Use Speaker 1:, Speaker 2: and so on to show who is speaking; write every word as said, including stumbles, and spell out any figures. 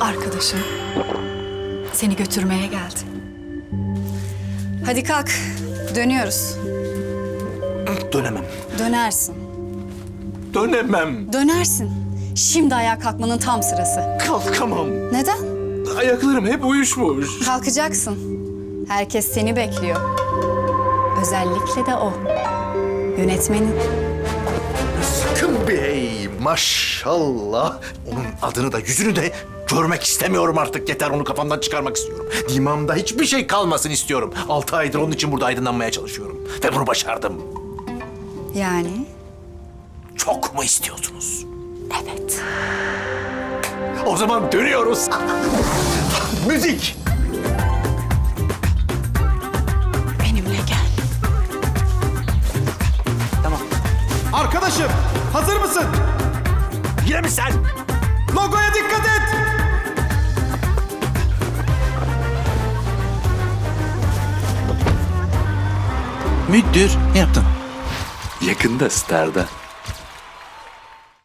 Speaker 1: arkadaşın seni götürmeye geldi. Hadi kalk, dönüyoruz.
Speaker 2: Dönemem.
Speaker 1: Dönersin,
Speaker 2: Dönemem.
Speaker 1: dönersin. Şimdi ayağa kalkmanın tam sırası.
Speaker 2: Kalkamam.
Speaker 1: Neden?
Speaker 2: Ayaklarım hep uyuşmuş.
Speaker 1: Kalkacaksın. Herkes seni bekliyor. Özellikle de o. Yönetmenin.
Speaker 2: Sakın bey. Maşallah. Onun adını da yüzünü de görmek istemiyorum artık. Yeter, onu kafamdan çıkarmak istiyorum. Dimağımda hiçbir şey kalmasın istiyorum. Altı aydır onun için burada aydınlanmaya çalışıyorum. Ve bunu başardım.
Speaker 1: Yani?
Speaker 2: Çok mu istiyorsunuz?
Speaker 1: Evet.
Speaker 2: O zaman dönüyoruz. Müzik.
Speaker 1: Benimle gel.
Speaker 3: Arkadaşım, hazır mısın?
Speaker 2: Yine mi sen?
Speaker 3: Logoya dikkat et!
Speaker 4: Müdür, ne yaptın?
Speaker 5: Yakında Star'da.